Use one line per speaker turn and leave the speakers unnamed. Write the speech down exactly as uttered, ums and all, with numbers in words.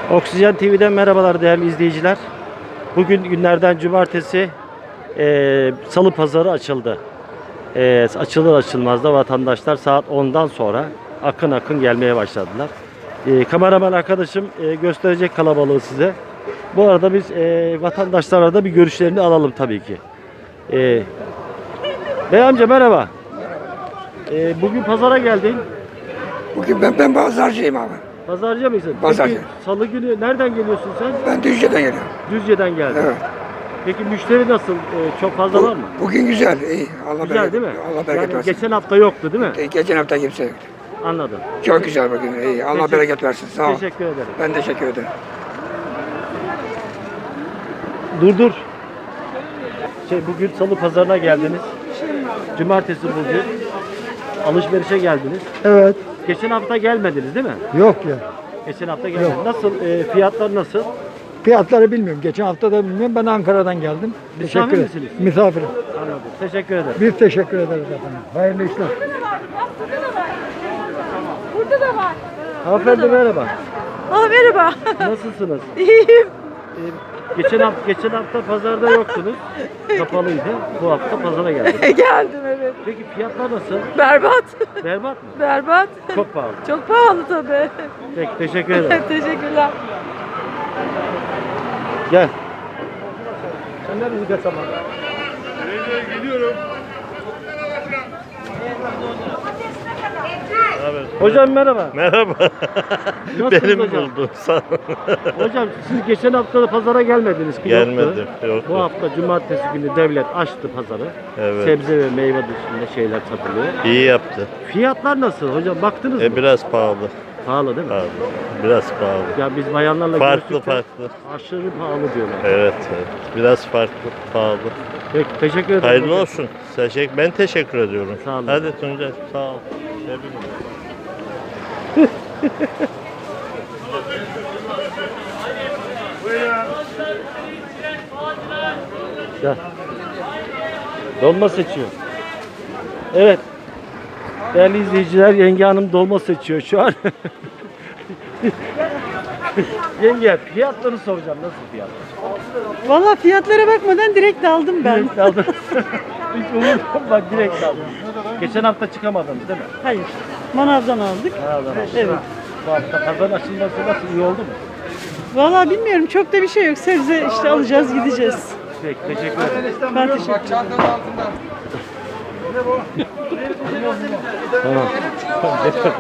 Oksijen T V'den merhabalar değerli izleyiciler. Bugün günlerden cumartesi, e, salı pazarı açıldı. E, açılır açılmaz da vatandaşlar saat ondan sonra akın akın gelmeye başladılar. E, kameraman arkadaşım e, gösterecek kalabalığı size. Bu arada biz e, vatandaşlarla da bir görüşlerini alalım tabii ki. E, Bey amca merhaba. E, bugün pazara geldin.
Bugün ben, ben pazarcıyım abi.
Pazarcı mısın?
Pazarcı.
Peki, salı günü nereden geliyorsun sen?
Ben Düzce'den geliyorum.
Düzce'den geldin.
Evet.
Peki müşteri nasıl? Ee, çok fazla var mı?
Bugün güzel, iyi. Allah
Güzel
bereket,
değil mi?
Allah bereket
Yani
versin.
geçen hafta yoktu değil mi?
E, Geçen hafta kimse yoktu.
Anladım.
Çok güzel bugün, iyi. Allah
Teşekkür-
bereket versin. Sağ ol.
Teşekkür ederim.
Ben teşekkür ederim.
Dur dur. Şey, bugün salı pazarına geldiniz. Cumartesi bugün. Alışverişe geldiniz.
Evet.
Geçen hafta gelmediniz değil mi?
Yok ya.
Geçen hafta gelmediniz. Nasıl? e, fiyatlar nasıl?
Fiyatları bilmiyorum. Geçen hafta da bilmiyorum. Ben Ankara'dan geldim.
Misafir
Teşekkür
misiniz?
Misafirim.
Anladım. Teşekkür ederim.
Biz teşekkür ederiz efendim. Hayırlı işler.
Burada da var.
Hanımefendi merhaba.
Ah merhaba.
Nasılsınız?
İyiyim.
Ee, geçen hafta geçen hafta pazarda yoktunuz. Kapalıydı. Bu hafta pazara geldiniz.
Geldim evet.
Peki fiyatlar nasıl?
Berbat.
Berbat mı?
Berbat.
Çok pahalı.
Çok pahalı tabii.
Peki teşekkür ederim.
Teşekkürler.
Gel.
Sen nerede gideceksin zaman?
Hocam merhaba.
Merhaba.
Nasılsınız
Benim
hocam?
buldum. Sağ ol.
Hocam siz geçen hafta da pazara gelmediniz ki yoktu.
Gelmedim, yoktu.
Bu hafta cumartesi günü devlet açtı pazarı.
Evet.
Sebze ve meyve dışında şeyler satılıyor.
İyi yaptı.
Fiyatlar nasıl hocam? Baktınız
E
mı?
biraz pahalı.
Pahalı değil mi?
Pahalı. Biraz pahalı.
Ya biz bayanlarla
Farklı
görüştük de
farklı.
aşırı pahalı diyorlar.
Evet, evet. Biraz farklı, pahalı.
Peki teşekkür ederim.
Hayırlı
hocam.
olsun. Teşekkür, ben teşekkür ediyorum.
Sağ olun.
Hadi Tuncay, sağ ol. Tebrik ederim.
Gel. Dolma seçiyor. Evet. Değerli izleyiciler, Yenge Hanım dolma seçiyor şu an. Yenge, fiyatları soracağım. Nasıl fiyatlar?
Valla fiyatlara bakmadan direkt aldım ben.
Direkt aldım. Hiç umurumda bak direkt aldım. Geçen hafta çıkamadınız değil mi?
Hayır. Manavdan aldık.
Nereden aldınız?
Evet.
Bu hafta pazar açılması nasıl, iyi oldu mu?
Valla bilmiyorum çok da bir şey yok. Sebze işte alacağız gideceğiz.
Peki teşekkür ederim.
Ben teşekkür ederim.
Tamam.